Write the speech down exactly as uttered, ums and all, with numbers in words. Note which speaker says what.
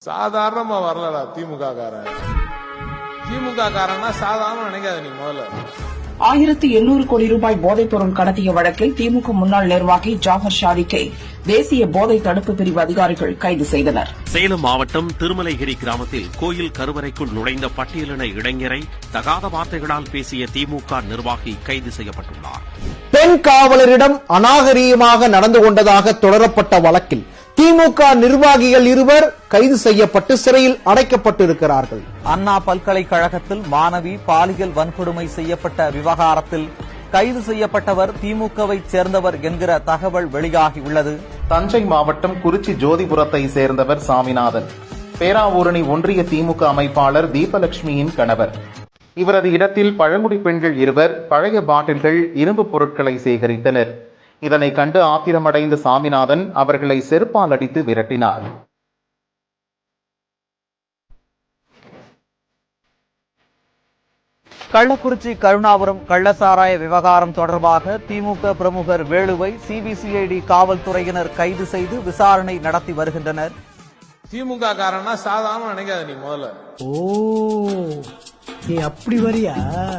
Speaker 1: சாதாரணமா வரலடா திமுக காரன். திமுக காரன்னா சாதாரண நினைக்காத நீ முதல்ல.
Speaker 2: ஆயிரத்து எண்ணூறு கோடி ரூபாய் போதைப் பொருள் கடத்திய வழக்கில் திமுக முன்னாள் நிர்வாகி ஜாஃபர் ஷாரிக்கை தேசிய போதை தடுப்பு பிரிவு அதிகாரிகள் கைது செய்தனர்.
Speaker 3: சேலம் மாவட்டம் திருமலைகிரி கிராமத்தில் கோயில் கருவறைக்குள் நுழைந்த பட்டியலின இளைஞரை தகாத வார்த்தைகளால் பேசிய திமுக நிர்வாகி கைது செய்யப்பட்டுள்ளார்.
Speaker 4: பெண் காவலரிடம் அநாகரீகமாக நடந்து கொண்டதாக தொடரப்பட்ட வழக்கில் திமுக நிர்வாகிகள் இருவர் கைது செய்யப்பட்டு சிறையில் அடைக்கப்பட்டிருக்கிறார்கள்.
Speaker 5: அண்ணா பல்கலைக்கழகத்தில் மாணவி பாலியல் வன்கொடுமை செய்யப்பட்ட விவகாரத்தில் கைது செய்யப்பட்டவர் திமுகவை சேர்ந்தவர் என்கிற தகவல் வெளியாகியுள்ளது.
Speaker 6: தஞ்சை மாவட்டம் குறிச்சி ஜோதிபுரத்தை சேர்ந்தவர் சாமிநாதன், பேராவூரணி ஒன்றிய திமுக அமைப்பாளர் தீபலட்சுமியின் கணவர். இவரது இடத்தில் பழங்குடி பெண்கள் இருவர் பழைய பாட்டில்கள், இரும்பு பொருட்களை சேகரித்தனர். இதனை கண்டு ஆத்திரமடைந்த சாமிநாதன் அவர்களை செருப்பால் அடித்து விரட்டினார்.
Speaker 5: கள்ளக்குறிச்சி கருணாபுரம் கள்ளசாராய விவகாரம் தொடர்பாக திமுக பிரமுகர் வேலுவை சிபிசிஐடி காவல்துறையினர் கைது செய்து விசாரணை நடத்தி வருகின்றனர்.
Speaker 1: திமுக காரன்னா சாதாரண நினைக்காத நீ முதல்ல.
Speaker 7: ஓ, நீ அப்படி வரியா?